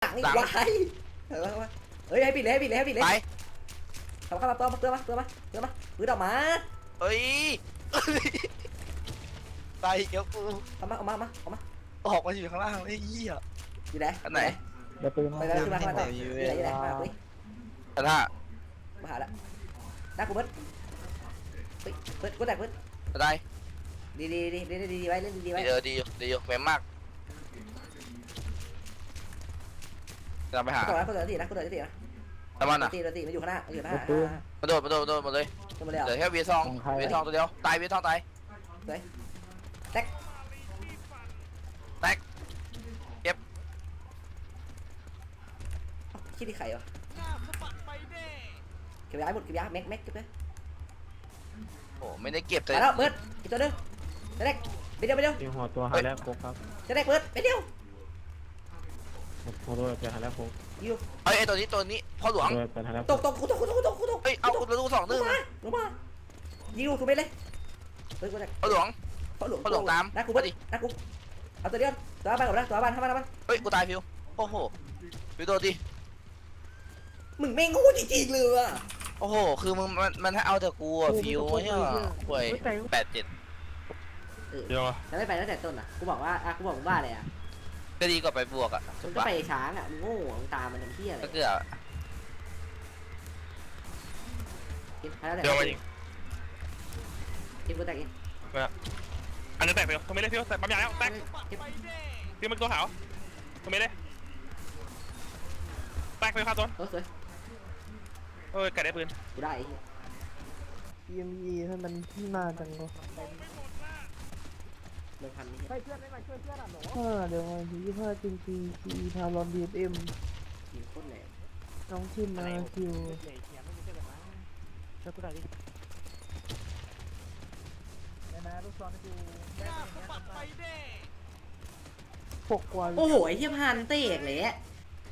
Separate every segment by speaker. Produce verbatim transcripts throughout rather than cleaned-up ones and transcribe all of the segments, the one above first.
Speaker 1: งอีกวายเฮ้ยให้ปิดเลยให้ปิดเลยให้ปิดเลย
Speaker 2: ไป
Speaker 1: เข้ามาเข้ามาตัวมาตัวมาตัวมาตัวมาปืนออกมา
Speaker 2: เฮ้ยตายเกี่ยวกู
Speaker 1: เอามาเอามาเอามาเอามา
Speaker 2: ออกมาอยู่ข้างล่างไอ้เหี้ย
Speaker 1: อยู่ไหน
Speaker 2: อันไหน
Speaker 3: เดี๋ยวปืน
Speaker 1: ไปแล้วขึ้นมาขึ้นมาต่ออยู่ไหนอยู่ไหนมาคุย
Speaker 2: อันน่ะ
Speaker 1: มาหาละน้ากูเบิร์ดเฮ้ยเบิร์ดกูแตกเบิร์ด
Speaker 2: อะไร
Speaker 1: ดีดีดีดีดีดีไว้เล่นดีดีไว้
Speaker 2: ดีเออดีอยู่ดีอยู่แม่มากจะไปหา
Speaker 1: ต่อแล้วกูต่อตีนะกูต่อตีนะ
Speaker 2: แต่มันอ่ะ
Speaker 1: ตีตีมันอยู่ข้างหน้ามันอยู่ข้างหน้า
Speaker 2: มาโดดมาโดดมาโดดมาเลย
Speaker 1: ตัวมาเลย
Speaker 2: เหลือแค่เวียทองเวียทองตัวเดียวตายเวียทองตาย
Speaker 1: แตก
Speaker 2: แตก
Speaker 1: คิดที่ไข่วะเก็บยาหมดเก็บยาแม็กแม็กเก็บเลย
Speaker 2: โอ้ไม่ได้เก็บแต่
Speaker 1: มาแล้วเบิร์ดอีกตัวนึงจะได้ไปเดียวไปเดียว
Speaker 3: ยิงหัวตัวหาแล้วโคกครับ
Speaker 1: จะได้เบิร์ดไปเดียว
Speaker 3: หัวตัวจะหาแล้วโคก
Speaker 1: อยู่
Speaker 2: เฮ้ยไอตัวนี้ตัวนี้พ่อหลวง
Speaker 3: ตัวจะหาแล้ว
Speaker 1: ตกตกกูตกกูตกกูตกกูตก
Speaker 2: เฮ้ยเอาตัวลูกสอง
Speaker 1: ล
Speaker 2: นึ่
Speaker 1: ง
Speaker 2: ง
Speaker 1: มาลงมายิงลูกถูกไปเลยเฮ้ยกูแตก
Speaker 2: พ่อหลวง
Speaker 1: พ่อหลวง
Speaker 2: พ่อหลวงตาม
Speaker 1: นะกูเบิร์ดนะกูเอาตัวเดียวตัวบ้านกับนะตัวบ้านเข้ามาแล้วมัน
Speaker 2: เฮ้ยกูตายฟิวโอ้โหฟิวโดนดิ
Speaker 1: มึงไม่งูจริงๆเลยอ่ะ
Speaker 2: โอ้โหคือมึงมันมันให้เอาแต่กูอะฟิวเนี่ยห่วยแปดเจ็ด
Speaker 3: เดี๋ยว
Speaker 1: แล้วไม่ไปตั้งแต่ต้นอ่ะกูบอกว่าอ่ะกูบอกมึงว่าอะไรอ่ะ
Speaker 2: ก็ดีกว่าไปบวกอ่ะ
Speaker 1: มึงก็ไปช้างอ่ะมึงโง่มึงตามมันทำเพี้ยอะไร
Speaker 2: ก็เกือบ
Speaker 1: กินไปแล้วแต่
Speaker 4: เดี๋ยวมายิง
Speaker 1: กินกูแตกกิน
Speaker 4: อันนึงแตกไปตรงนี้เลยพี่แตกปั๊มยาแล้วแตก
Speaker 1: เก็บ
Speaker 4: พี่มันตัวขาวตรงนี้เลยแตกไปครับตัว
Speaker 1: โอ้สวย
Speaker 4: เออไก่ได้ปืน
Speaker 1: กูได้ไอ้เหี้ย
Speaker 5: พี เอ็ม อี ให้มันที่มาจังเลย
Speaker 1: เลิกพันนี่
Speaker 5: เออเดี๋ยววันที่ยี่สิบห้าจริงจริงทีพาลอนดีเอ็ม
Speaker 1: ยิงโคตรแรง
Speaker 5: น้องทิมมาคิวหกกว่า
Speaker 1: โอ้โหไอ้เหี้ยพันเตะเลยอ่ะ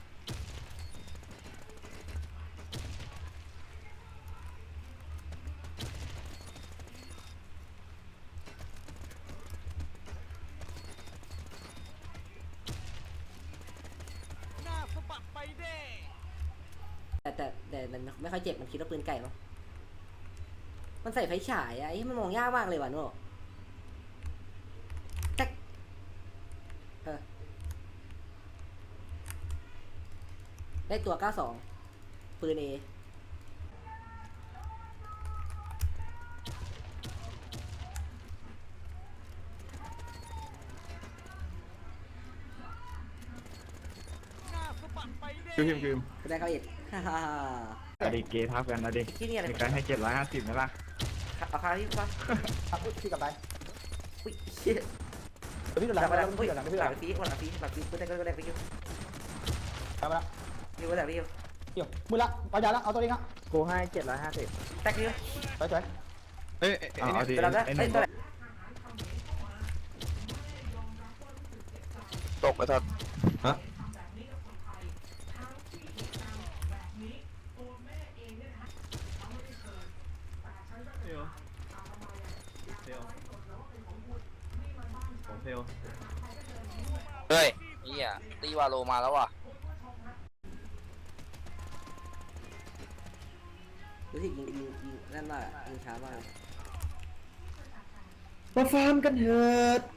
Speaker 1: แต่แต่แต่มันไม่ค่อยเจ็บมันคิดว่าปืนไก่มั้งมันใส่ไฟฉายอะไอ้มันมองยากมากเลยว่ะโน่แท็กเออได้ตัวเก้าสองปืนเอ
Speaker 3: คิวคิวคิว
Speaker 1: ได้เขาอีกฮ่าฮ่าฮ่า
Speaker 3: อดีเกย์ทับกันนะดิ
Speaker 1: ที่นี่อะไร
Speaker 3: มีการให้เจ็ดร้อยห้าสิบไหมล่ะ
Speaker 1: เอาคาที่ฟ้า
Speaker 5: พี่กลับไป
Speaker 1: อุ้ยเชี่ย
Speaker 5: พี่กลับ
Speaker 1: หลัง
Speaker 5: ไป
Speaker 1: มาห
Speaker 5: แล้
Speaker 1: ลั
Speaker 5: ว
Speaker 1: ง
Speaker 5: พี่
Speaker 1: พี่
Speaker 5: กลับ
Speaker 1: ห
Speaker 5: ไป
Speaker 1: ลัง
Speaker 5: พี่
Speaker 1: พี่
Speaker 5: ก
Speaker 1: ห
Speaker 5: ลั
Speaker 1: ลั
Speaker 5: บ
Speaker 1: งพี่หลังพี่หลังพี่หลังพี่ก็ได้ก็ได้ไปคิว
Speaker 5: ไปแล้ว
Speaker 1: คิวก็ได้พี่คิว
Speaker 5: เดี๋ยวมือละปัญญาละเอาตัวเองอ่ะกูให้เจ็ดร้อยห้าสิบ
Speaker 1: แท็กคิว
Speaker 5: ไปสวย
Speaker 4: เฮ้ย
Speaker 3: เอาดิ
Speaker 1: ไปรับได้
Speaker 3: ไอ้ห
Speaker 1: เฮ้
Speaker 3: นึ่
Speaker 1: ย
Speaker 3: ง
Speaker 1: ตัวไหน
Speaker 2: ตกไปทัด เฮ้ยนี่อ่ะตีวาโลมาแล้วว่ะ
Speaker 1: รู้สึกยิงยิงยิงนั่นมากยิงช้ามาก
Speaker 5: มาฟาร์มกันเถิด